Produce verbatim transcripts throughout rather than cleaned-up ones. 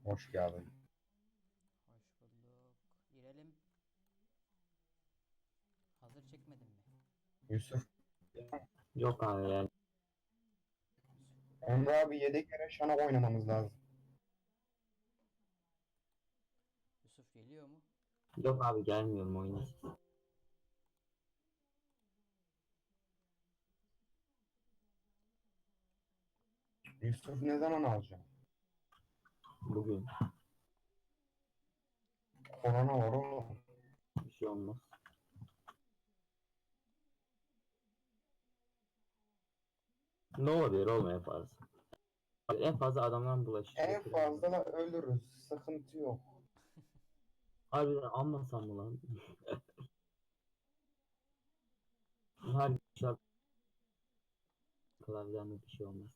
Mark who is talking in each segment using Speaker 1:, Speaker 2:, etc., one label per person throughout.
Speaker 1: Hoş geldin.
Speaker 2: Hoş bulduk. Girelim. Hazır çekmedin mi?
Speaker 1: Yusuf.
Speaker 3: Yok abi yani.
Speaker 2: Yusuf,
Speaker 1: Emre abi yedek yere şana oynamamız lazım.
Speaker 2: Yusuf geliyor mu?
Speaker 3: Yok abi gelmiyorum oyuna.
Speaker 1: Yusuf ne zaman alacağım?
Speaker 3: Bugün
Speaker 1: Korona var oğlum.
Speaker 3: bir şey olmaz. Ne olabilir oğlum en fazla? En fazla adamdan bulaşıcı
Speaker 1: En
Speaker 3: getirir mi?
Speaker 1: fazla da ölürüz. Sıkıntı yok.
Speaker 3: Harbiden anmasam mı lan? Her şarkı klavyeden bir şey olmaz.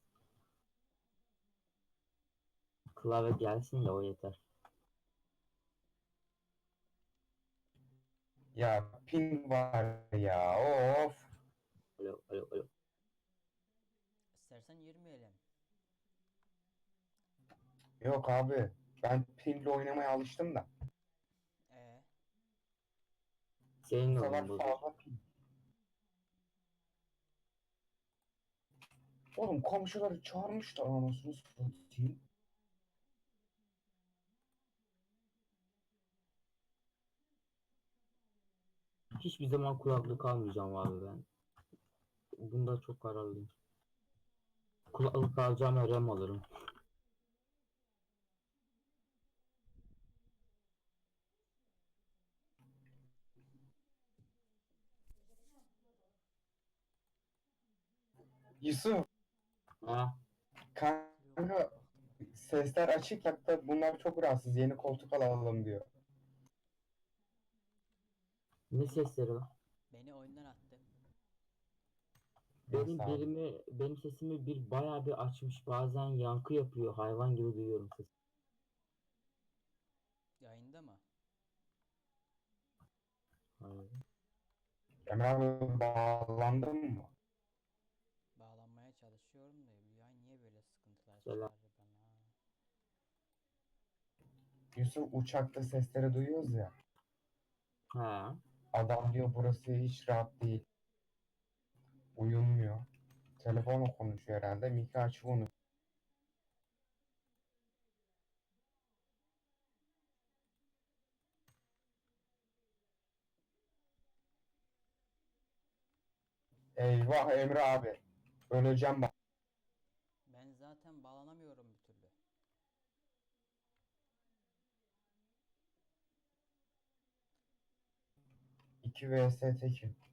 Speaker 3: Klavye gelsin de o yeter.
Speaker 1: Ya ping var ya. Of.
Speaker 3: Alo alo alo.
Speaker 2: İstersen girmeyelim.
Speaker 1: Yok abi. Ben pingle oynamaya alıştım da.
Speaker 2: E
Speaker 3: Senin
Speaker 1: Bu sefer
Speaker 3: oyun bozuk.
Speaker 1: fazla ping. Oğlum komşuları çağırmışlar anasını satayım.
Speaker 3: Hiçbir zaman kulaklık almayacağım abi ben. Bunda çok kararlıyım. Kulaklık alacağıma RAM alırım.
Speaker 1: Yusuf.
Speaker 3: Ha?
Speaker 2: yok
Speaker 1: Kanka
Speaker 2: baktım da.
Speaker 1: sesler açık hatta bunlar çok rahatsız. Yeni koltuk alalım diyor.
Speaker 3: Ne sesleri var?
Speaker 2: Beni oyundan attı.
Speaker 1: Nasıl
Speaker 3: Benim
Speaker 1: abi?
Speaker 3: birimi, benim sesimi bir bayağı bir açmış. Bazen yankı yapıyor. Hayvan gibi duyuyorum sesi.
Speaker 2: Yayında mı?
Speaker 3: Hayır.
Speaker 1: Emre abi bağlandın mı?
Speaker 2: Bağlanmaya çalışıyorum da bu yay niye böyle sıkıntılar
Speaker 3: Selam.
Speaker 2: çıkarır bana?
Speaker 1: Yusuf uçakta sesleri duyuyoruz ya.
Speaker 3: Ha.
Speaker 1: Adam diyor burası hiç rahat değil. Uyumuyor. Telefonla konuşuyor herhalde. Miki açık onu. Eyvah Emre abi. Öleceğim bak.
Speaker 2: Ben zaten bağlanamıyorum bir türlü.
Speaker 1: iki vs tekim.